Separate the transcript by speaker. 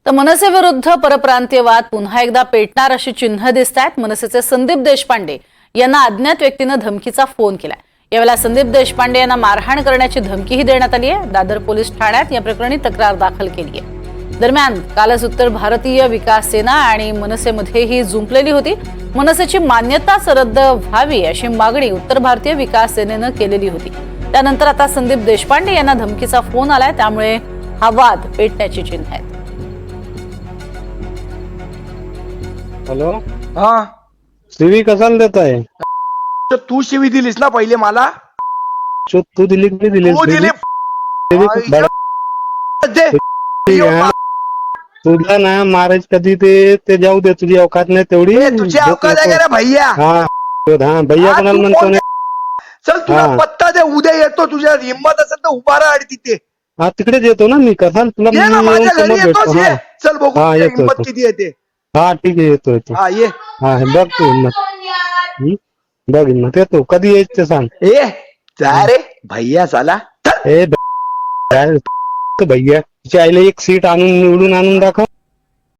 Speaker 1: तर मनसे विरुद्ध परप्रांतीयवाद पुन्हा एकदा पेटणार अशी चिन्ह दिसत आहेत। मनसेचे संदीप देशपांडे यांना अज्ञात व्यक्तीने धमकीचा फोन केलाय। यावेळेला संदीप देशपांडे यांना मारहाण करण्याची धमकीही देण्यात आली आहे। दादर पोलीस ठाण्यात या प्रकरणी तक्रार दाखल केली आहे। दरम्यान कालच उत्तर भारतीय विकास सेना आणि मनसेमध्ये ही जुंपलेली होती। मनसेची मान्यताच रद्द व्हावी अशी मागणी उत्तर भारतीय विकास सेनेनं केलेली होती। त्यानंतर आता संदीप देशपांडे यांना धमकीचा फोन आलाय, त्यामुळे हा वाद पेटण्याची चिन्ह आहेत।
Speaker 2: हॅलो,
Speaker 3: हा
Speaker 2: शिवी कशाला देत आहे?
Speaker 3: तर तू शिवी दिलीस ना पहिले मला,
Speaker 2: तू दिली की दिली?
Speaker 3: तू दिली दे.
Speaker 2: तुला ना मारायच कधी ते जाऊ दे, तुझी अवकात नाही तेवढी।
Speaker 3: तुझी अवकात आहे का रे भैया?
Speaker 2: हा भैया
Speaker 3: हा,
Speaker 2: कोणाला
Speaker 3: तू
Speaker 2: म्हणतो
Speaker 3: कोण?
Speaker 2: ना?
Speaker 3: चल तुला
Speaker 2: हा.
Speaker 3: पत्ता दे, उद्या येतो। तुझ्या हिंमत असेल तर उभा राहा आणि तिथे
Speaker 2: हा तिकडेच येतो ना मी। कसा तुला
Speaker 3: ये ना,
Speaker 2: मी
Speaker 3: माझ्या
Speaker 2: येऊन
Speaker 3: घरी
Speaker 2: समोर
Speaker 3: येतोस
Speaker 2: भेटतो।
Speaker 3: ये.
Speaker 2: हा
Speaker 3: चल बघू
Speaker 2: हा,
Speaker 3: तुझ्या
Speaker 2: येतो,
Speaker 3: हिंमत
Speaker 2: येतो.
Speaker 3: किती येते।
Speaker 2: हा ठीक आहे, येतो
Speaker 3: हा ये.
Speaker 2: हा बघ तू हिंमत। बघ हिंमत, येतो कधी यायचं ते सांग।
Speaker 3: ए जा रे भैया चला।
Speaker 2: ए भैया, तिच्या आईला एक सीट आणून निवडून आणून दाखव।